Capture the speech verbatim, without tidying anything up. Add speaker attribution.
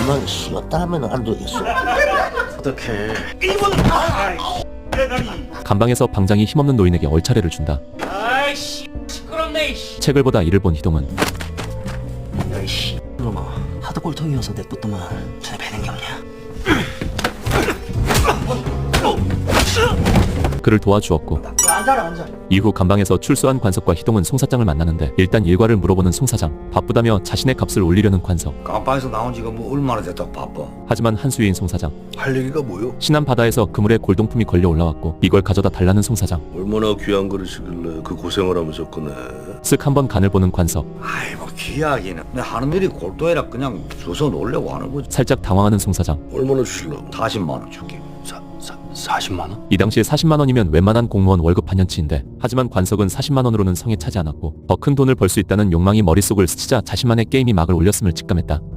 Speaker 1: 가만히 쉬었다 하면 안 되겠어.
Speaker 2: 어떡해.
Speaker 3: 감방에서 방장이 힘없는 노인에게 얼차례를 준다.
Speaker 4: 아이씨 시끄럽네.
Speaker 3: 책을 보다 이를 본 희동은
Speaker 2: 야이씨 놈아 하도 꼴통이어서 냅뒀더만 전에 배는 게 없냐.
Speaker 3: 그를 도와주었고
Speaker 2: 앉아라 앉아.
Speaker 3: 이후 감방에서 출소한 관석과 희동은 송 사장을 만나는데 일단 일과를 물어보는 송 사장. 바쁘다며 자신의 값을 올리려는 관석.
Speaker 5: 감방에서 나온 지가 뭐 얼마나 됐다고 바빠.
Speaker 3: 하지만 한수위인 송 사장.
Speaker 5: 할 얘기가 뭐요?
Speaker 3: 신안 바다에서 그물에 골동품이 걸려 올라왔고 이걸 가져다 달라는 송 사장.
Speaker 6: 얼마나 귀한 그릇이길래 그 고생을 하면서 꺼내.
Speaker 3: 쓱 한번 간을 보는 관석.
Speaker 5: 아이 뭐 귀하기는 내 하는 일이 골도해라 그냥 주워 놓으려고 하는 거지.
Speaker 3: 살짝 당황하는 송 사장.
Speaker 6: 얼마나 주실라고?
Speaker 5: 사십만 원 줄게.
Speaker 2: 사, 사, 사십만 원?
Speaker 3: 이 당시에 사십만 원이면 웬만한 공무원 월급 반년치인데 하지만 관석은 사십만 원으로는 성에 차지 않았고 더 큰 돈을 벌 수 있다는 욕망이 머릿속을 스치자 자신만의 게임이 막을 올렸음을 직감했다.